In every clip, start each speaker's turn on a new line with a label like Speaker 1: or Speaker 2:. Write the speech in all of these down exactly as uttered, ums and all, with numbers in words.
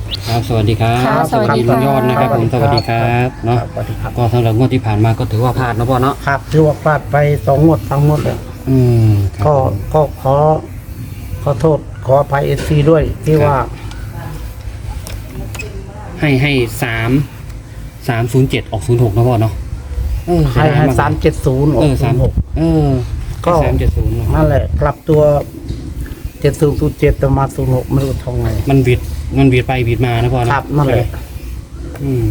Speaker 1: ครับสวัสดีครับ
Speaker 2: ค่ะสวัสดี
Speaker 1: ลุงยอดนะครับผม
Speaker 2: ค่ะ
Speaker 1: สวัสดีครับเนาะ
Speaker 3: สวัสดีครับ
Speaker 1: ก็สำหรับงวดที่ผ่านมาก็ถือว่าพลาดนะพ่อเนาะ
Speaker 3: ครับถือว่าพลาดไปสองงวดสามงวดเลย
Speaker 1: อืมครับ
Speaker 3: ก็
Speaker 1: ผม
Speaker 3: ก็ขอขอโทษขออภัยเอซีด้วยที่ว่า
Speaker 1: ให้ให้สามสามศูนย์เจ็ดออกศูนย์หกนะพ่อเนาะเออ
Speaker 3: ให้ให้สามเจ็ดศูนย์ออ
Speaker 1: เอก อ
Speaker 3: ศู
Speaker 1: สาม
Speaker 3: นย์หก
Speaker 1: เออ
Speaker 3: ก็
Speaker 1: สามเจ็ดศูนย์
Speaker 3: นั่นแหละกลับตัวเจ็ดศูนย์ศูนย์เจ็ดมาศูนย์หกไม่รู้ทำไง
Speaker 1: มันบิดมันบิดไปบิดมานะพ่อนะครับ
Speaker 3: นั่นแหละ
Speaker 1: อืม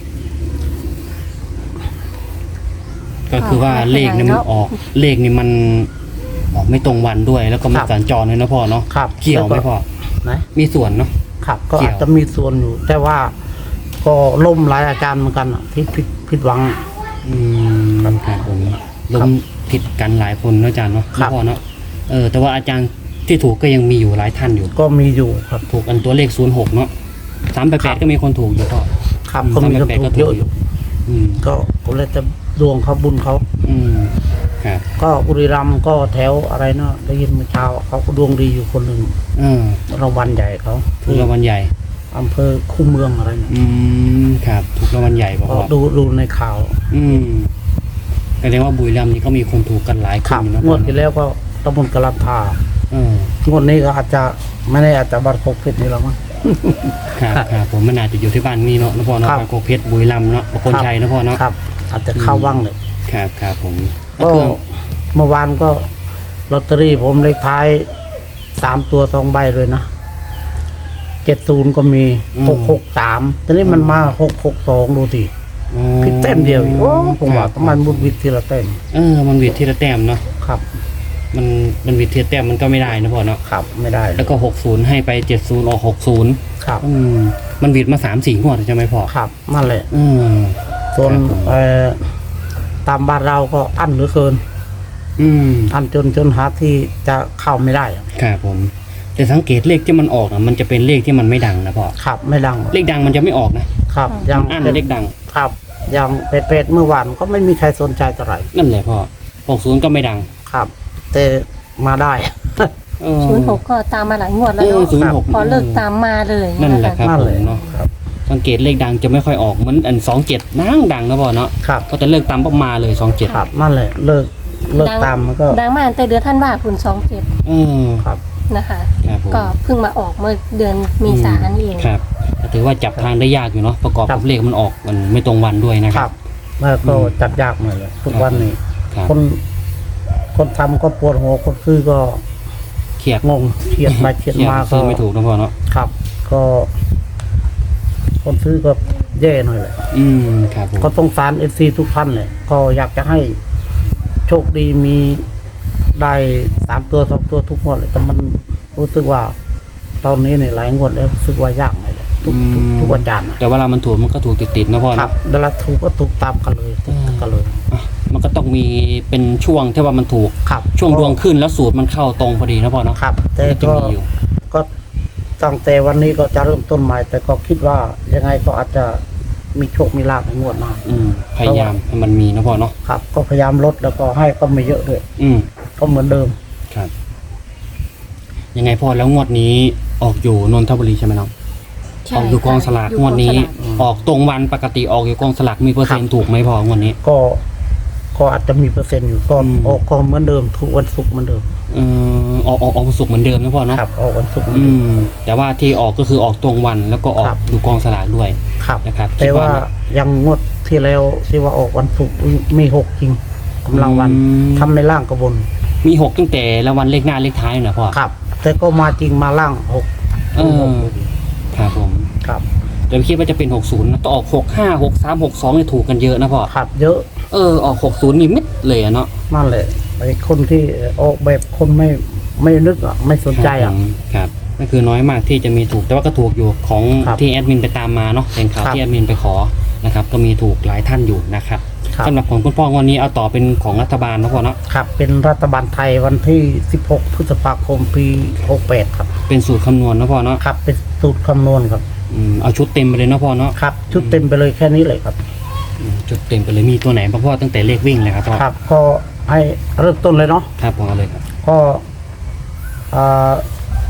Speaker 1: ก็คือว่าเลขนี่มันออกเลขนี่มันออกไม่ตรงวันด้วย แล้วก็มันสัญจรเลยนะพ่อเนาะ
Speaker 3: ครับ
Speaker 1: เกี่ยวไหมพ่อ
Speaker 3: นะ
Speaker 1: มีส่วนเนาะ
Speaker 3: ครับก็
Speaker 1: เกี่ยว
Speaker 3: อาจจะมีส่วนอยู่ แต่ว่าก็ล่มหลายอาจารย์เหมือนกันอะที่ผิดผิดหวัง
Speaker 1: อืมครับผมล้มผิดกันหลายคนเนาะอาจารย์เนาะ
Speaker 3: ครับ
Speaker 1: พ่อเนาะเออแต่ว่าอาจารย์ที่ถูกก็ยังมีอยู่หลายท่านอยู่
Speaker 3: ก็มีอยู่ครับ
Speaker 1: ถูกอันตัวเลขศูนย์หกเนาะสามแปด
Speaker 3: ค
Speaker 1: แป
Speaker 3: รั
Speaker 1: ด
Speaker 3: บ
Speaker 1: ก็มีคนถูกอยู่พ่อ
Speaker 3: ครับ
Speaker 1: อืม
Speaker 3: ก็มีกระ
Speaker 1: สามแปดแปดก็
Speaker 3: ถูก
Speaker 1: ถู
Speaker 3: เย
Speaker 1: ก
Speaker 3: อะ
Speaker 1: อ
Speaker 3: อยู่ ยู่
Speaker 1: อืม
Speaker 3: ก็ก็เลยจะดวงเขาบุญเขา
Speaker 1: อืมครับ
Speaker 3: ก็บุรีรัมย์ก็แถวอะไรเนาะได้ยินเมื่อเช้าเขาก็ดวงดีอยู่คนหนึ่ง
Speaker 1: เออ
Speaker 3: รางวัลใหญ่เขา
Speaker 1: ถูกรางวัลใหญ่
Speaker 3: อำเภอคูเมืองอะไรเนี่ย
Speaker 1: อืมครับถูกรางวัลใหญ่ป่ะ
Speaker 3: ก็
Speaker 1: พ่อ
Speaker 3: ดูดูในข่าว
Speaker 1: อืมแสดงว่าบุรีรัมย์นี่ก็มีคนถูกกันหลายค
Speaker 3: ขั
Speaker 1: น
Speaker 3: บ
Speaker 1: อยู่นะ
Speaker 3: ง
Speaker 1: พ่
Speaker 3: ว
Speaker 1: อ
Speaker 3: ดที่แล้วก็ตำบลกะลันทา
Speaker 1: เออง
Speaker 3: วดนี้ก็อาจจะไม่ได้อาจจะบัตรครบเพชรนี่หรอกมั้ง
Speaker 1: ครับครับผมมันอาจจะอยู่ที่บ้านนี่เนาะนะพ่อเนาะ
Speaker 3: ครับ
Speaker 1: บางโกเพชรบุรีรัมย์เนาะประโคนชัยนะพ่อเนาะ
Speaker 3: ครับ อาจจะเข้าว่างเลย
Speaker 1: ครับครับผม
Speaker 3: ก็
Speaker 1: คือ
Speaker 3: เมื่อวานก็ลอตเตอรี่ผมเลขท้ายสามตัวสองใบเลยนะเจ็ดศูนย์ก็มีหกหกสามตอนนี้มันมาหกหกสองดูสิ
Speaker 1: อ๋อ
Speaker 3: ผิดแต้มเดียวอีกโอ้ผมว่า
Speaker 1: ครับ
Speaker 3: มันมุดวิดทีละแต้ม
Speaker 1: เออมันวิดทีละแต้มเนาะ
Speaker 3: ครับ
Speaker 1: มันมันวิดทีละแต้มมันก็ไม่ได้นะพ่อเนาะ
Speaker 3: ครับไม่ได้
Speaker 1: แล้วก็หกศูนย์ให้ไปเจ็ดศูนย์ออกหกศูนย์
Speaker 3: ครับ
Speaker 1: อืมมันวิดมาสามสี่งวดใช่ไหมพ่อ
Speaker 3: ครับนั่นแหละ
Speaker 1: อืม
Speaker 3: ส่วน
Speaker 1: ครับผม
Speaker 3: เอ่อตามบ้านเราก็อั้นเหลือเกิน
Speaker 1: อืม
Speaker 3: อั้นจนจนหาที่จะเข้าไม่ได้อะ
Speaker 1: ครับผม แต่สังเกตเลขที่มันออกนะมันจะเป็นเลขที่มันไม่ดังนะพ่อ
Speaker 3: ครับไม่ดัง
Speaker 1: เลขดังมันจะไม่ออกนะครับ
Speaker 3: ยัง
Speaker 1: อัน
Speaker 3: เป็น
Speaker 1: เลขดัง
Speaker 3: ครับยังเป็ดๆเมื่อวานก็ไม่มีใครสนใจเท่าไหร่
Speaker 1: นั่นแหละพ่อหกศูนย์ก็ไม่ดัง
Speaker 3: ครับ แต่มาได้
Speaker 1: เออ
Speaker 2: ศูนย์หกก็ตามมาหลายงวด
Speaker 1: เอ
Speaker 2: แล้ว
Speaker 1: อ
Speaker 2: เนาะ
Speaker 1: ศูนย์หก
Speaker 2: พอเลิกตามมาเลย
Speaker 1: นั่นแหละครับ
Speaker 3: นั่น
Speaker 1: ผ
Speaker 3: เลย
Speaker 1: มเนาะ
Speaker 3: ครับ
Speaker 1: สังเกตเลขดังจะไม่ค่อยออกเหมือนอันสองเจ็ดดังดังนะพ่อเนาะ
Speaker 3: ครับ
Speaker 1: ก็จะเลิกตามปุ๊บมาเลยสองเจ็ด
Speaker 3: ครับนั่นแหละเลิกเลิกตามมันก็
Speaker 2: ดังมากแต่เดือนท่านว่าคุณสองเจ็ด
Speaker 1: เออ
Speaker 3: ครับ
Speaker 2: นะคะ
Speaker 1: ครับผม
Speaker 2: ก็เพิ่งมาออกเมื่อเดือนเมีสานี่เอง
Speaker 1: ครับแต่ถือว่าจับทางได้ยากอยู่เนาะประกอบ
Speaker 3: ครั
Speaker 1: กับบ เลขมันออกมันไม่ตรงวันด้วยนะ
Speaker 3: ค
Speaker 1: ค
Speaker 3: รั
Speaker 1: รั
Speaker 3: บบ แล้วก็จัดยากหน่อยเลยทุกวันนี้
Speaker 1: ครับ
Speaker 3: คน คนทำก็ปวดหัวคนซื้อก็
Speaker 1: เครียด
Speaker 3: งงเครียดไปเครียด
Speaker 1: เครียด
Speaker 3: มาก็
Speaker 1: ซื้อไม่ถูกนะพ่อเนาะ
Speaker 3: ครับ ก็ คนซื้อก็แย่หน่อยเลย
Speaker 1: อืมครับผม
Speaker 3: ก็สงสารเอฟซีทุกท่านเลยก็อยากจะให้โชคดีมีได้สามตัวสองตัวทุกงวดเลยแต่มันรู้สึกว่า ตอนนี้เนี่ยหลายงวดแล้วรู้สึกว่ายากหน่อยเลยทุกทุกทุกวันจันทร์อะ
Speaker 1: แต่เวลามันถูกมันก็ถูกติดๆนะพ่อ
Speaker 3: ครั
Speaker 1: เนาะ
Speaker 3: บเวลาถูกก็ถูกตามกันเลยถูกกันเลย
Speaker 1: อ่ะมันก็ต้องมีเป็นช่วงที่ว่ามันถูก
Speaker 3: ครับ
Speaker 1: ช่วงดวงขึ้นแล้วสูตรมันเข้าตรงพอดีนะพ่อเนาะ
Speaker 3: ครับ แต่
Speaker 1: มันจะ
Speaker 3: ก็
Speaker 1: มีอยู่
Speaker 3: ก็ตั้งแต่วันนี้ก็จะเริ่มต้นใหม่ แต่ก็คิดว่ายังไงก็อาจจะมีโชคมีลาภในงวดหน้า
Speaker 1: อืมพยายามให้มันมีนะพ่อเนาะ
Speaker 3: ครับ ก็พยายามลดแล้วก็ให้ก็ไม่เยอะด้วย
Speaker 1: อืม
Speaker 3: ก็เหมือนเดิม
Speaker 1: ครับยังไงพ่อแล้วงวดนี้ออกอยู่นนทบุรีใช่ไหมน้อง
Speaker 2: ใช่
Speaker 1: ออกอยู่กองสลาก
Speaker 2: ยู่
Speaker 1: งวดนี้
Speaker 2: กองสลาก
Speaker 1: ออกตรงวันปกติออกอยู่กองสลากมีเปอร์เซ็นต์ถูกไหมพ่องวดนี้
Speaker 3: ก็ก็อาจจะมีเปอร์เซ็นต์อยู่ก็
Speaker 1: อืม
Speaker 3: ออกก็เหมือนเดิมทุกวันศุกร์เหมือนเดิม
Speaker 1: เออออกออกออกวันศุกร์เหมือนเดิมนะพ่อเนาะ
Speaker 3: ครับออกวันศุกร์เหมือน
Speaker 1: อื
Speaker 3: เดิม
Speaker 1: มแต่ว่าที่ออกก็คือออกตรงวันแล้วก็ออก
Speaker 3: ครับ
Speaker 1: ดูกองสลากด้วย
Speaker 3: ครับ
Speaker 1: นะครับ
Speaker 3: แต่ว่ายังงวดที่แล้วที่ว่าออกวันศุกร์มีหกจริงกำลังวัน
Speaker 1: อืม
Speaker 3: ทำในล่างกระบน
Speaker 1: มีหกตั้งแต่ละวันเลขหน้าเลขท้ายนะพ่อ
Speaker 3: ครับ แต่ก็มาจริงมาล่างหก
Speaker 1: เออ ครับผม
Speaker 3: ครับ
Speaker 1: แต่ไม่คิดว่าจะเป็นหกศูนย์นะต้องออกหกห้าหกสามหกสองเนี่ยถูกกันเยอะนะพ่อ
Speaker 3: ครับเยอะ
Speaker 1: เออออกหกศูนย์นี่มิดเลยอะเนาะ
Speaker 3: นั่นแหละไอ้คนที่ออกแบบคนไม่ไม่นึกอ่ะไม่สนใจอ่ะ
Speaker 1: ครับผมครับก็คือน้อยมากที่จะมีถูกแต่ว่าก็ถูกอยู่ของ
Speaker 3: ครับ
Speaker 1: ที่แอดมินไปตามมาเนาะเป็นข่าว
Speaker 3: ครับ
Speaker 1: ที่แอดมินไปขอนะครับก็มีถูกหลายท่านอยู่นะครับ
Speaker 3: ครับ
Speaker 1: สำหรับของคุณพ่อวันนี้เอาต่อเป็นของรัฐบาลนะพ่อเนาะ
Speaker 3: ครับเป็นรัฐบาลไทยวันที่สิบหกพฤษภาคมปีหกแปดครับ
Speaker 1: เป็นสูตรคำนวณนะพ่อเนาะ
Speaker 3: ครับเป็นสูตรคำนวณครับ
Speaker 1: อืมเอาชุดเต็มไปเลยนะพ่อเนาะ
Speaker 3: ครับ ชุดเต็มไปเลยแค่นี้เลยครับ
Speaker 1: อืมชุดเต็มไปเลยมีตัวไหนบ้างพ่อตั้งแต่เลขวิ่งเลยครับพ่อ
Speaker 3: ครับ ก็ให้เริ่มต้นเลยเนาะ
Speaker 1: ครับผมเอาเลยครับ
Speaker 3: ก็อ่า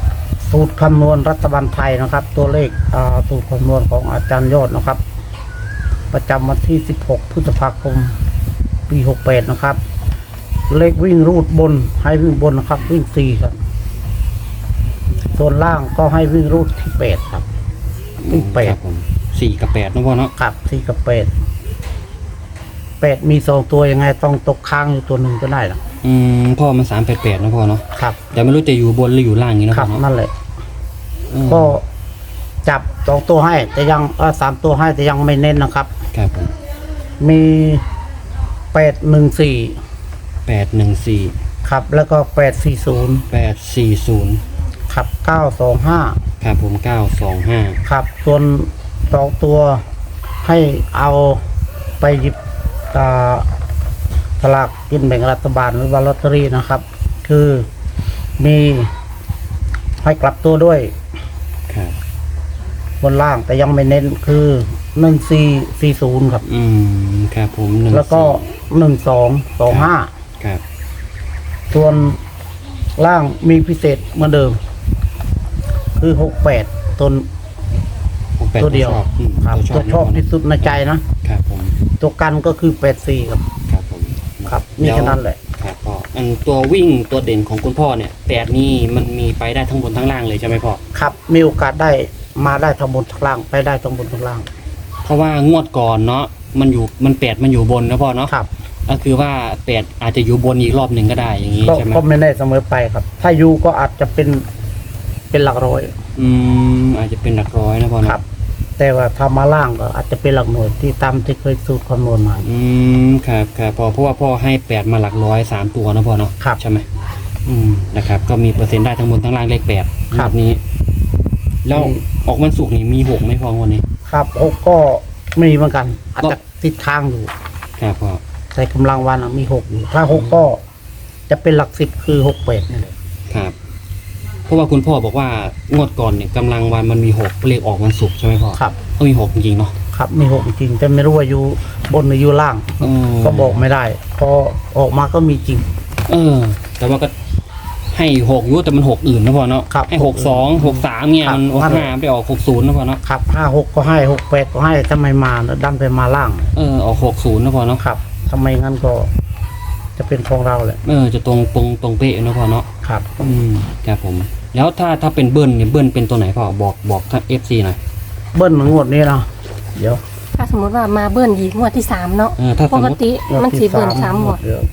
Speaker 3: สูตรคำนวณรัฐบาลไทยนะครับ ตัวเลขอ่าสูตรคำนวณของอาจารย์ยอดนะครับ ประจำวันที่สิบหกพฤษภาคมปีหกแปดนะครับ เลขวิ่งรูดบนให้วิ่งบนนะครับ วิ่งสี่ครับส่วนล่างก็ให้วิ่งรูดที่แปดครับวิ่งแป
Speaker 1: ค
Speaker 3: ด
Speaker 1: รับผมสี่กับแปดนะพ่อเนาะ
Speaker 3: ครับสี่กับแปดแปดมีสองตัวยังไงต้องตกค้างอยู่ตัวหนึ่งก็ได้หรอ
Speaker 1: อืมพ่อมันสามแปดแปดนะพ่อเนาะ
Speaker 3: ครับ
Speaker 1: แต่ไม่รู้จะอยู่บนหรืออยู่ล่างอย่างนี้นะ
Speaker 3: ค
Speaker 1: พ่
Speaker 3: รั
Speaker 1: อบ เนาะ
Speaker 3: นั่นแหละ
Speaker 1: อืม
Speaker 3: ก็จับสองตัวให้ แต่ยังเออสามตัวให้แต่ยังไม่เน้นนะครับ
Speaker 1: ครับผม
Speaker 3: มีแปดหนึ่งสี่
Speaker 1: แปดหนึ่งสี่
Speaker 3: ครับ แล้วก็แปดสี่ศูนย์
Speaker 1: แปดสี่ศูนย์
Speaker 3: ครับเก้าสองห้า
Speaker 1: ครับผมเก้าสองห้า
Speaker 3: ครับส่วนสองตัวให้เอาไปหยิบอ่าสลากกินแบ่งรัฐบาลหรือว่าลอตเตอรี่นะครับ คือมีให้กลับตัวด้วย
Speaker 1: ครับ
Speaker 3: บนล่างแต่ยังไม่เน้นคือหนึ่งสี่สี่ศูนย์ครับ
Speaker 1: อืมครับผมหนึ่ง
Speaker 3: แล้วก็หนึ่งสองสองห้า
Speaker 1: ครับ
Speaker 3: ส่วนล่างมีพิเศษเหมือนเดิม คือหกแปดตน
Speaker 1: ผมแปด
Speaker 3: ตัวเดียว
Speaker 1: ชอบอืม
Speaker 3: ครับตัวชอบที่สุดในใจนะ
Speaker 1: ครับผม
Speaker 3: ตัวกันก็คือแปดสี่ครับ
Speaker 1: ครับผม
Speaker 3: ครับนี่แค่นั้นแหละ
Speaker 1: ครับพ่ออันตัววิ่งตัวเด่นของคุณพ่อเนี่ยแปดนี่มันมีไปได้ทั้งบนทั้งล่างเลยใช่ไหมพ่อ
Speaker 3: ครับมีโอกาสได้มาได้ทั้งบนทั้งล่างไปได้ทั้งบนทั้งล่าง
Speaker 1: เพราะว่างวดก่อนเนาะมันอยู่มันแปดมันอยู่บนนะพ่อเนาะ
Speaker 3: ครับ
Speaker 1: ก็คือว่าแปดอาจจะอยู่บนอีกรอบหนึ่งก็ได้อย่างนี้
Speaker 3: ก็
Speaker 1: ใช่ไหม
Speaker 3: ก็ไม่แน่เสมอไปครับ ถ้าอยู่ก็อาจจะเป็นเป็นหลักร้อย
Speaker 1: อืมอาจจะเป็นหลักร้อยนะพ่อ
Speaker 3: ค
Speaker 1: เนาะ
Speaker 3: รับ แต่ว่าถ้ามาล่างก็อาจจะเป็นหลักหน่วยที่ตามที่เคยสูตรคำนวณมา
Speaker 1: อืมครับครับพ่อเพราะว่าพ่อให้แปดมาหลักร้อยสามตัวนะพ่อเนาะ
Speaker 3: ครับ
Speaker 1: ใช่ไหมอืมนะครับ ก็มีเปอร์เซ็นต์ได้ทั้งบนทั้งล่างเลขแปด
Speaker 3: ครับ
Speaker 1: นี้ แล้ว
Speaker 3: อืม
Speaker 1: ออกวันศุกร์นี่มีหกไหมพ่อวันนี้
Speaker 3: ครับหกก็มีเหมือนกัน อาจจะติดทางอยู่
Speaker 1: ครับพ่อ
Speaker 3: แต่กำลังวันอะมีหกอยู่ ถ้าหกก็จะเป็นหลักสิบคือหกแปดนี่แหละ
Speaker 1: ครับ เพราะว่าคุณพ่อบอกว่างวดก่อนเนี่ยกำลังวันมันมีหกเลขออกวันศุกร์ใช่ไหมพ่อ
Speaker 3: ครับ
Speaker 1: ก็มีหกจริงๆเนาะ
Speaker 3: ครับมีหกจริงแต่ไม่รู้ว่าอยู่บนหรืออยู่ล่าง
Speaker 1: อืม
Speaker 3: ก็บอกไม่ได้ พอออกมาก็มีจริง
Speaker 1: เออ แต่ว่าก็ให้หกอยุแต่มันหกอื่นนะพ่อเนาะ
Speaker 3: ครับ
Speaker 1: ให้หกสองหกสามเนี่ย
Speaker 3: ครับ
Speaker 1: มันหกห้าไปออกหกศูนย์นะพ่อเนาะ
Speaker 3: ครับห้าหกก็ให้หกแปดก็ให้ทำไมมาแล้วดันไปมาล่าง
Speaker 1: เออออกหกศูนย์นะพ่อเนาะ
Speaker 3: ครับทำไมงั้นก็จะเป็นของเราแหละ
Speaker 1: เออจะตรงตรงตรงเป๊ะนะพ่อเนาะ
Speaker 3: ครับ
Speaker 1: อืมครับผม แล้วถ้าถ้าเป็นเบิ้ลเนี่ยเบิ้ลเป็นตัวไหนพ่อบอกบอกท่านเอฟซีหน่อย
Speaker 3: เบิ้ลงวดนี้นะเดี๋ยว
Speaker 2: ถ้าสมมติว่ามาเบิ้ลอีกงวดที่สามเนาะ
Speaker 1: เออถ้าส
Speaker 2: ป
Speaker 1: ม
Speaker 2: ก
Speaker 1: มติ
Speaker 2: ติมันสีเบิ้ลสามหมด
Speaker 3: เดี๋ยว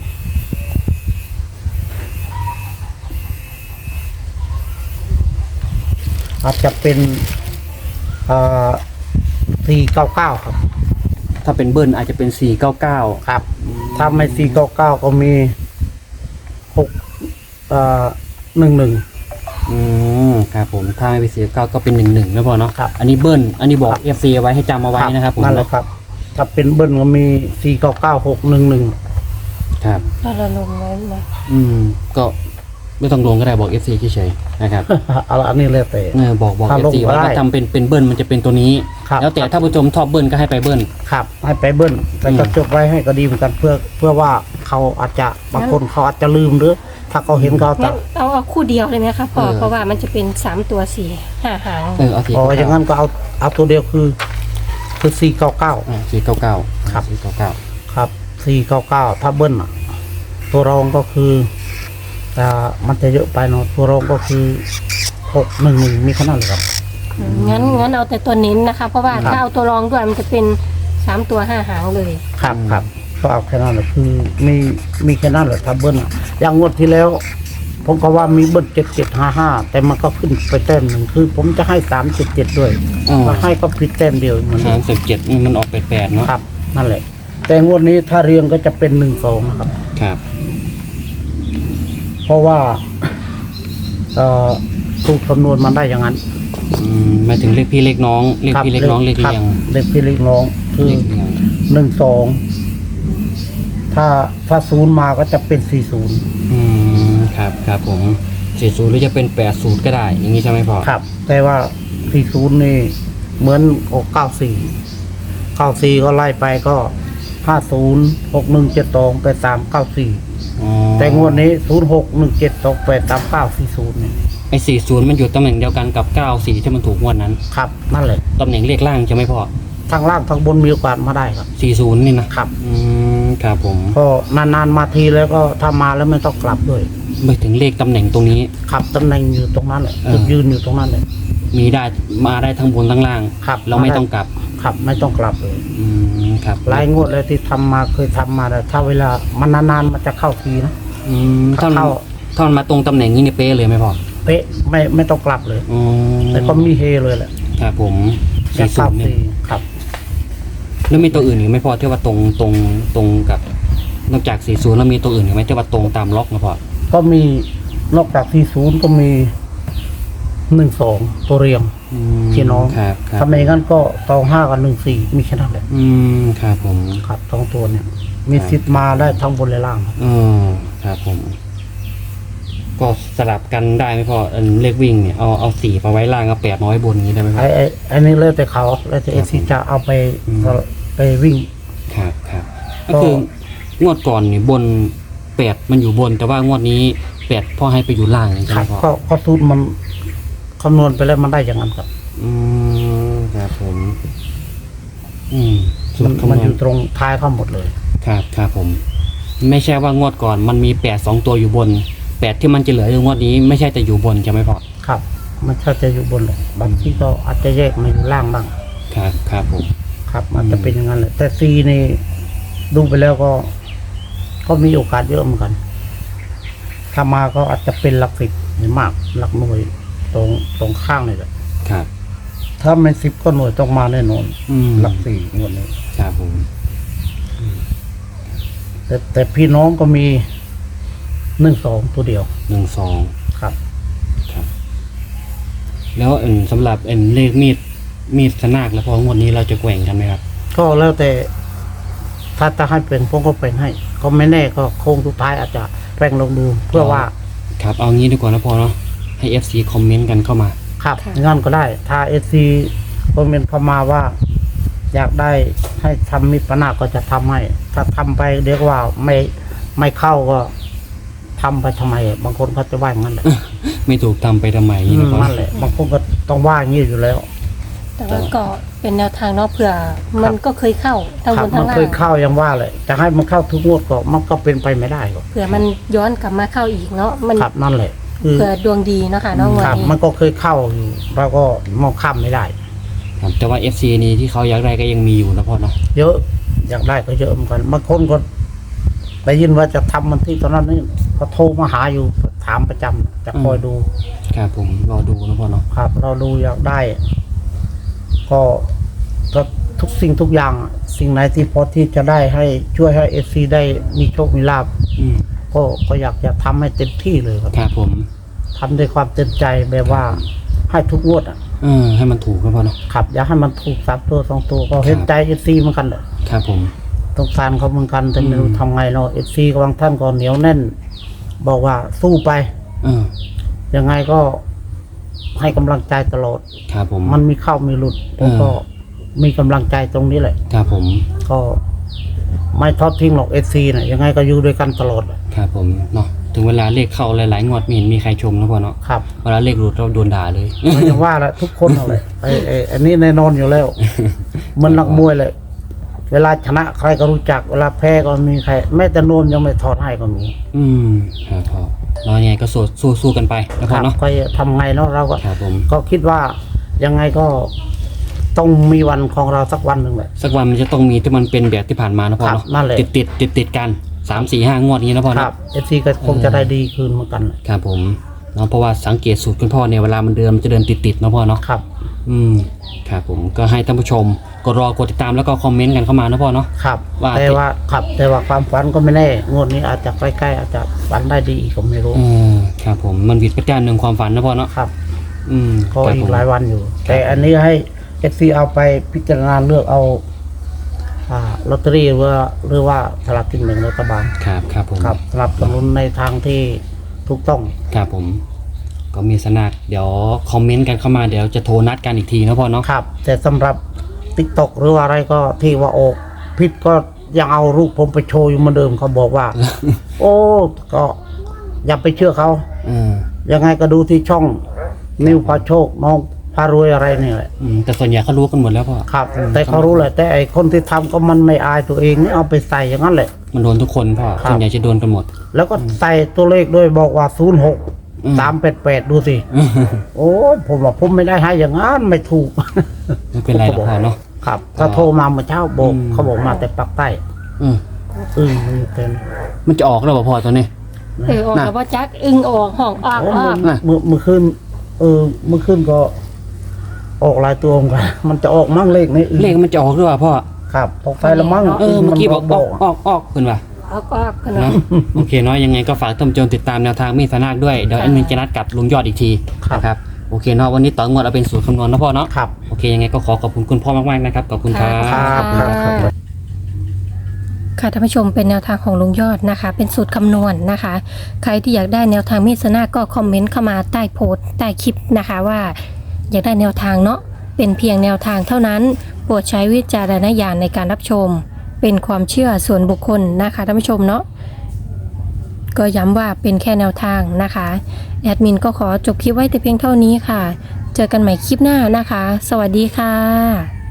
Speaker 3: อาจจะเป็นอ่าสี่เก้าเก้าครับ
Speaker 1: ถ้าเป็นเบิ้ลอาจจะเป็นสี่เก้าเก้า
Speaker 3: ครับ ถ้าไม่สี่เก้าเก้าก็มีหกอ่าหนึ่งหนึ่ง
Speaker 1: อืมครับผมถ้าไม่เป็นสี่เก้าก็เป็นหนึ่งหนึ่งนะพ่อเนาะ
Speaker 3: ครับ
Speaker 1: อันนี้เบิ้ลอันนี้บอกเอฟซีไว้ให้จำเอาไว้นะครับผม
Speaker 3: นั่นแหละครับ ถ้าเป็นเบิ้ลก็มีสี่เก้าเก้าหกหนึ่งหนึ่ง
Speaker 1: ครับ
Speaker 2: ถ้าเราลงไว้นะ
Speaker 1: อืมก็ไม่ต้องลงก็ได้บอกเอฟซีเฉยๆนะครับ
Speaker 3: เอาละอันนี้เลยแต่
Speaker 1: เออบอกบอก
Speaker 3: ถ้า
Speaker 1: เอ
Speaker 3: ล
Speaker 1: ฟ
Speaker 3: ง
Speaker 1: ซี
Speaker 3: ก็
Speaker 1: ว่า
Speaker 3: ได้
Speaker 1: ถ้าทำเป็นเป็นเบิ้ลมันจะเป็นตัวนี้
Speaker 3: ครับ
Speaker 1: แล้วแต่ถ้าผู้ชมชอบเบิ้ลก็ให้ไปเบิ้ล
Speaker 3: ครับ ให้ไปเบิ้ลแต่ก็
Speaker 1: อืม
Speaker 3: จดไว้ให้ก็ดีเหมือนกันเพื่อ เพื่อว่าเขาอาจจะบางคนเขาอาจจะลืมหรือ ถ้าเขาเห็นเขา
Speaker 2: งั้
Speaker 3: จะ
Speaker 2: นเอาเอาคู่เดียวเลยไหมคะพ่อเพราะว่ามันจะเป็นสามตัวสี่ห้าหาง
Speaker 1: เออเอาสี่
Speaker 3: อ๋อ
Speaker 1: เก้า
Speaker 3: อย่างนั้นก็เอาเอาตัวเดียวคือ คือสี่เก้าเก้า
Speaker 1: สี่เก้าเก้า
Speaker 3: ครับ
Speaker 1: สี่เก้าเก้า
Speaker 3: ครับสี่เก้าเก้าถ้าเบิ้ลอ่ะ ตัวรองก็คือแต่มันจะเยอะไปเนาะตัวรองก็คือหกหนึ่งหนึ่งมีขนาดเลยครับ
Speaker 2: งั้นงั้นเอาแต่ตัวเน้นนะคะ เพราะว่า
Speaker 3: ครับ
Speaker 2: ถ้าเอาตัวรองด้วยมันจะเป็นสามตัวห้าหางเลย
Speaker 3: ครับครับก็เอาแค่นั้นแหละคือมีมีแค่นั้นแหละถ้าเบิ้ลอะอย่างงวดที่แล้ว ผมก็ว่ามีเบิ้ลเจ็ดเจ็ดห้าห้าแต่มันก็ขึ้นไปแต้มหนึ่งคือ ผมจะให้สามเจ็ดเจ็ดด้วย
Speaker 1: อ๋อ
Speaker 3: มาให้ก็ผิดแต้มเดียวเหมือนเดิ
Speaker 1: สาม มสิบเจ็ดมันออกแปดแปดเนาะ
Speaker 3: ครับ นั่นแหละ แต่งวดนี้ถ้าเรียงก็จะเป็นหนึ่งสองนะครับ
Speaker 1: ครับ
Speaker 3: เพราะว่าเอ่อสูตรคำนวณมันได้อย่างนั้น
Speaker 1: อืมหมายถึงเลขพี่เลขน้องเลข
Speaker 3: ครับ
Speaker 1: พี่เลขน้องเลข
Speaker 3: ครับ
Speaker 1: เรียง
Speaker 3: เลขพี่เลขน้องคือ
Speaker 1: เลขเรียง
Speaker 3: หนึ่งสองถ้าถ้าศูนย์มาก็จะเป็นสี่ศูนย์
Speaker 1: อืมครับครับผมสี่ศูนย์หรือจะเป็นแปดศูนย์ก็ได้ อย่างนี้ใช่ไหมพ่อ
Speaker 3: ครับ แต่ว่าสี่ศูนย์นี่เหมือนออกเก้าสี่เก้าสี่ก็ไล่ไปก็ห้าศูนย์หกหนึ่งเจ็ดสองแปดสามเก้าสี่
Speaker 1: อ๋อ
Speaker 3: แต่งวดนี้ศูนย์หกหนึ่งเจ็ดสองแปดสามเก้าสี่ศูนย์นี่
Speaker 1: คไอ้สี่ศูนย์มันอยู่ตำแหน่งเดียวกันกับเก้าสี่ที่มันถูกงวดนั้น
Speaker 3: ครับนั่นแหละ
Speaker 1: ตำแหน่งเลขล่างใช่ไหมพ่อ
Speaker 3: ทางล่างทางบนมีโอกาสมาได้ครับ
Speaker 1: สี่ศูนย์นี่นะครับ อืมครับผม
Speaker 3: ก็นานๆมาทีแล้วก็ถ้ามาแล้วไม่ต้องกลับด้วย
Speaker 1: ไม่ถึงเลขตำแหน่งตรงนี้
Speaker 3: ครับตำแหน่งอยู่ตรงนั้นแหละ
Speaker 1: เออ
Speaker 3: จุดยืนอยู่ตรงนั้นเลย
Speaker 1: มีได้มาได้ทั้งบนทั้งล่าง
Speaker 3: ครับ
Speaker 1: เราไม่ต้องกลับ
Speaker 3: ครับไม่ต้องกลับเลย
Speaker 1: อืมครับ
Speaker 3: หลายงวดเลยที่ทำมาเคยทำมาแต่ถ้าเวลามันนานๆมันจะเข้าทีนะ
Speaker 1: อืมถ้ามัน
Speaker 3: เข้า
Speaker 1: ถ้ามันมาตรงตำแหน่งนี้เนี่ยเป๊ะเลยไหมพ่อ
Speaker 3: เป๊ะไม่ไม่ต้องกลับเลย
Speaker 1: อืม
Speaker 3: แต่ก็มีเฮเลยแหละ
Speaker 1: ครับผม
Speaker 3: จะ
Speaker 1: สี่ศู
Speaker 3: เข้าน
Speaker 1: ย์เนี่
Speaker 3: ที
Speaker 1: ย
Speaker 3: ครับ
Speaker 1: แล้วมีตัวอื่นอีกไหมพ่อที่ว่าตรงตรงตรงกับนอกจากสี่ศูนย์แล้วมีตัวอื่นอีกไหมที่ว่าตรงตามล็อกนะพ่อ
Speaker 3: ก็มีนอกจากที่ศูนย์ก็มีหนึ่งสองตัวเรียง
Speaker 1: อืม
Speaker 3: พี่น้อง
Speaker 1: ครับครับ
Speaker 3: ถ้าไม่งั้นก็ตองห้ากับหนึ่งสี่มีแค่นั้นแหละ
Speaker 1: อืมครับผม
Speaker 3: ครับสองตัวเนี่ย มีสิทธิ์มาได้ทั้งบนและล่างครับ
Speaker 1: อ๋อครับผม ก็สลับกันได้ไหมพ่ออันเลขวิ่งเนี่ยเอาเอาสี่ไปไว้ล่างเอาแปดน้อยบนอย่างนี้ได้ไหมพ่อ
Speaker 3: ไอ้ไอ้ไอ้นี่แล้วแต่เขาแล้วแต่เอซีจะเอาไป
Speaker 1: อืม
Speaker 3: ไปวิ่ง
Speaker 1: ครับครับ
Speaker 3: ก็
Speaker 1: ก็คืองวดก่อนนี่บนแปดมันอยู่บน แต่ว่างวดนี้แปดพ่อให้ไปอยู่ล่างใช่
Speaker 3: ค
Speaker 1: ไห
Speaker 3: รั
Speaker 1: ม
Speaker 3: บ
Speaker 1: พ่อ
Speaker 3: ก็ก็ทุนมันคำนวณไปแล้วมันได้อย่างนั้นครับ
Speaker 1: อืมครับผม อืมสู
Speaker 3: มั
Speaker 1: ต
Speaker 3: น
Speaker 1: รคำ
Speaker 3: มัน
Speaker 1: น
Speaker 3: อ
Speaker 1: วณ
Speaker 3: ยู่ตรงท้ายทั้งหมดเลย
Speaker 1: ครับครับผม ไม่ใช่ว่างวดก่อนมันมีแปดสองตัวอยู่บนแปดที่มันจะเหลืออยู่งวดนี้ไม่ใช่แต่อยู่บนใช่ไหมพ่อ
Speaker 3: ครับ มันถ้าจะอยู่บนหรอกบางที่ก็อาจจะแยกมาอยู่ล่างบ้าง
Speaker 1: ครับครับผม
Speaker 3: ครับมันจะเป็นอย่างนั้นแหละแต่ซีนี่ดูไปแล้วก็ ก็มีโอกาสเยอะเหมือนกัน ถ้ามาก็อาจจะเป็นหลักสิบหรือมากหลักหน่วยตรงตรงข้างเลยแหละ
Speaker 1: ครับ
Speaker 3: ถ้าไม่สิบก็หน่วยต้องมาแน่นอน
Speaker 1: อืม
Speaker 3: หลักสี่งวดนี้
Speaker 1: ครับผม
Speaker 3: แต่แต่พี่น้องก็มีหนึ่งสองตัวเดียว
Speaker 1: หนึ่งสอง
Speaker 3: ครับ
Speaker 1: แล้วอันสำหรับอันเลขมีดมีดสนากแล้วพองวดนี้เราจะแกว่งกันไหมครับ
Speaker 3: ก็แล้วแต่ ถ้าจะให้เป็นผมก็เป็นให้ ก็ไม่แน่ก็โค้งสุดท้ายอาจจะแปลงลงดูเพื่อว่า
Speaker 1: ครับเอางี้ดีกว่านะพอเนาะให้ เอฟ ซี คอมเมนต์กันเข้ามา
Speaker 3: ครับ
Speaker 2: ค่ะ
Speaker 3: งั้นก็ได้ ถ้าเอซีคอมเมนต์เข้ามาว่า อยากได้ให้ทำมิตรปนาก็จะทำให้ ถ้าทำไปเรียกว่าไม่ไม่เข้าก็ทำไปทำไม บางคนเขาจะว่าอย่างนั้นแหละ
Speaker 1: ไม่ถูกทำไปทำไม
Speaker 3: อื
Speaker 1: นี่
Speaker 3: ม
Speaker 1: นะพ่อ
Speaker 3: นั่นแหละบางคนก็ต้องว่าอย่างนี้อยู่แล้ว
Speaker 2: แต่ว่าก็เป็นแนวทางเนาะเผื่อมันก็เคยเข้าทั้ง
Speaker 3: ครับ
Speaker 2: บน
Speaker 3: มั
Speaker 2: ทั้
Speaker 3: น
Speaker 2: งล่า
Speaker 3: เคย
Speaker 2: ง
Speaker 3: เข้ายังว่าเลยจะให้มันเข้าทุกงวดก็มันก็เป็นไปไม่ได้หรอก
Speaker 2: เผื่อมันย้อนกลับมาเข้าอีกเนาะมัน
Speaker 3: ครับนั่นแหละคือ
Speaker 2: เผื่อดวงดีเนาะค่ะเน้องวัน
Speaker 3: ครับ
Speaker 2: นี้
Speaker 3: มันก็เคยเข้าอยู่เราก็มองข้ามไม่ได้
Speaker 1: ครับแต่ว่า เอฟ ซี นี้ที่เขาอยากได้ก็ยังมีอยู่นะพ่อเนาะ
Speaker 3: เยอะอยากได้ก็เยอะเหมือนกันบางคนก็ได้ยินว่าจะทำมันที่ตอนนั้นนี่เขาโทรมาหาอยู่ถามประจำจะคอยดู
Speaker 1: ครับผมรอดูนะพ่อเนาะ
Speaker 3: ครับ เราดูอยากได้ ก็ก็ทุกสิ่งทุกอย่าง สิ่งไหนที่พอที่จะได้ให้ช่วยให้เอฟซีได้มีโชคมีลาภ
Speaker 1: อืม
Speaker 3: ก็ก็อยากจะทำให้เต็มที่เลยครับ
Speaker 1: ครับผม
Speaker 3: ทำด้วยความเต็มใจแบบว่าให้ทุกงวดอ่ะ
Speaker 1: เออให้มันถูกนะพ่อเนาะ
Speaker 3: ครับอยากให้มันถูกสามตัวสองตัวก็เห็นใจเอฟซีเหมือนกันเลย
Speaker 1: ครับผม
Speaker 3: สงสารเขาเหมือนกันแต่ไม่รู้
Speaker 1: อืม
Speaker 3: ทำไงเนาะเอฟซีบางท่านก็เหนียวแน่น บอกว่าสู้ไป
Speaker 1: เออ
Speaker 3: ยังไงก็ให้กำลังใจตลอด
Speaker 1: ครับผม
Speaker 3: มันมีเข้ามีหลุดผม
Speaker 1: อ่า
Speaker 3: ก็มีกำลังใจตรงนี้แหละ
Speaker 1: ครับผม
Speaker 3: ก็ไม่ทอดทิ้งหรอกเอฟซีนะยังไงก็อยู่ด้วยกันตลอด
Speaker 1: ครับผมเนาะถึงเวลาเลขเข้าหลายๆงวดไม่เห็นมีใครชมนะพ่อเนาะ
Speaker 3: ครับ
Speaker 1: เวลาเลขหลุดเราโดนด่าเลย
Speaker 3: ไม่ต้องว่าละทุกคนเอาเลยไอ้ไอ้อันนี้แน่นอนอยู่แล้ว มันนักมวยเลย เวลาชนะใครก็รู้จัก เวลาแพ้ก็มีใครแม้แต่โนมยังไม่ถอดให้ก็มี
Speaker 1: อืมครับพ่อเรายังไงก็สู้สู้สู้กันไปนะ
Speaker 3: ค
Speaker 1: พ่อ
Speaker 3: รับ
Speaker 1: เนาะ
Speaker 3: ก็ทำไงเนาะเราก็
Speaker 1: ครับผม
Speaker 3: ก็คิดว่ายังไงก็ต้องมีวันของเราสักวันหนึ่งแหละ
Speaker 1: สักวันมันจะต้องมีที่มันเป็นแบบที่ผ่านมานะพ่อ
Speaker 3: ครับ
Speaker 1: เนาะ
Speaker 3: นั่นแหละ
Speaker 1: ติดติดติดติดๆกันสามสี่ห้างวดนี้นะพ่อ
Speaker 3: ค
Speaker 1: เนาะ
Speaker 3: รับเอฟซีก็คงจะได้ดีคืนเหมือนกัน
Speaker 1: ครับผมเนาะเพราะว่าสังเกตสูตรคุณพ่อเนี่ยเวลามันเดินมันจะเดินติดติดๆนะพ่อเนาะ
Speaker 3: ครับ
Speaker 1: อืมครับผมก็ให้ท่านผู้ชมกดรอกดติดตามแล้วก็คอมเมนต์กันเข้ามานะพ่อเนาะ
Speaker 3: ครับ
Speaker 1: ว่า
Speaker 3: แต่ว่าครับแต่ว่าความฝันก็ไม่แน่งวดนี้อาจจะใกล้ๆอาจจะฝันได้ดีอีกก็ไม่รู้
Speaker 1: เออครับผมมันผิดประการหนึ่งความฝันนะพ่อเนาะ
Speaker 3: ครับ
Speaker 1: อืม
Speaker 3: ก็
Speaker 1: ครับ
Speaker 3: อี
Speaker 1: ผ
Speaker 3: ก
Speaker 1: ม
Speaker 3: หลายวันอยู่ แต่อันนี้ให้เอฟซีเอาไปพิจารณาเลือกเอาอ่าลอตเตอรี่หรือว่าหรือว่าสลากกินแบ่งรัฐบาล
Speaker 1: ครับครับผม
Speaker 3: ครับสนับสนุนในทางที่ถูกต้อง
Speaker 1: ครับผม ก็มีสนักเดี๋ยวคอมเมนต์กันเข้ามาเดี๋ยวจะโทรนัดกันอีกทีนะพ่อเนาะ
Speaker 3: ครับ แต่สำหรับติ๊กตอกหรือว่าอะไรก็ที่ว่าออกพิษก็ยังเอารูปผมไปโชว์อยู่เหมือนเดิมเขาบอกว่า โอ้ก็อย่าไปเชื่อเขา
Speaker 1: เออ
Speaker 3: ยังไงก็ดูที่ช่องนิวพาโชคน้องพารวยอะไรนี่แหละ
Speaker 1: อืมแต่ส่วนใหญ่เขารู้กันหมดแล้วพ่อ
Speaker 3: ครับ แต่เขารู้แหละแต่ไอคนที่ทำก็มันไม่อายตัวเองนี่เอาไปใส่อย่างนั้นแหละ
Speaker 1: มันโดนทุกคนพ่อ
Speaker 3: ครับ
Speaker 1: ส่วนใหญ่จะโดนกันหมด
Speaker 3: แล้วก็ใส่ตัวเลขด้วยบอกว่าศูนย์หก
Speaker 1: อืม
Speaker 3: สามแปดแปดดูสิ โอ้ยผมว่าผมไม่ได้ให้อย่างนั้นไม่ถูก
Speaker 1: ไม่เป็นไรหรอกพ่อเนาะ
Speaker 3: ครับก็โทรมาเมื่อเช้าโบก
Speaker 1: อืม
Speaker 3: เขาบอกมาแต่ปักใต้
Speaker 1: อืม
Speaker 3: อึ้งมันเต็ม
Speaker 1: มันจะออกแล้วเหรอพ่อตอนนี้
Speaker 2: เออออก
Speaker 1: น่ะ
Speaker 2: แล้วว่าจักอึ้งออกห้องออก
Speaker 3: โอ้
Speaker 2: ออก
Speaker 1: น่ะ
Speaker 3: เมื่อเมื่อคืนเออเมื่อคืนก็ ออกหลายตัวเหมือนกัน มันจะออกมั่งเลขนี้อึ้ง
Speaker 1: เลขมันจะออกหรือเปล่าพ่อ
Speaker 3: ครับออกไปแล้วมั่ง
Speaker 1: เออเมื่อกี้บอกอ
Speaker 3: อ
Speaker 1: อกออกออกคุณว่ะ
Speaker 2: ออกออกกัน
Speaker 1: เนาะ
Speaker 2: เนาะ
Speaker 1: โอเคเนาะยังไงก็ฝากท่านผู้ชมติดตามแนวทางมีดสนาคด้วยเดี๋ยวแอดมินจะนัดกับลุงยอดอีกทีนะครับโอเคเนาะวันนี้ต่องวดเอาเป็นสูตรคำนวณนะพ่อเนาะ
Speaker 3: ครับ
Speaker 1: โอเคยังไงก็ขอขอบคุณคุณพ่อมากๆนะครับขอบคุณครับ
Speaker 3: ครับครับครับ
Speaker 2: ค่ะท่านผู้ชมเป็นแนวทางของลุงยอดนะคะ เป็นสูตรคำนวณนะคะ ใครที่อยากได้แนวทางมีดสนาก็คอมเมนต์เข้ามาใต้โพสต์ใต้คลิปนะคะว่า อยากได้แนวทางเนาะเป็นเพียงแนวทางเท่านั้นโปรดใช้วิจารณญาณในการรับชม เป็นความเชื่อส่วนบุคคลนะคะท่านผู้ชมเนาะก็ย้ำว่าเป็นแค่แนวทางนะคะแอดมินก็ขอจบคลิปไว้แต่เพียงเท่านี้ค่ะ เจอกันใหม่คลิปหน้านะคะ สวัสดีค่ะ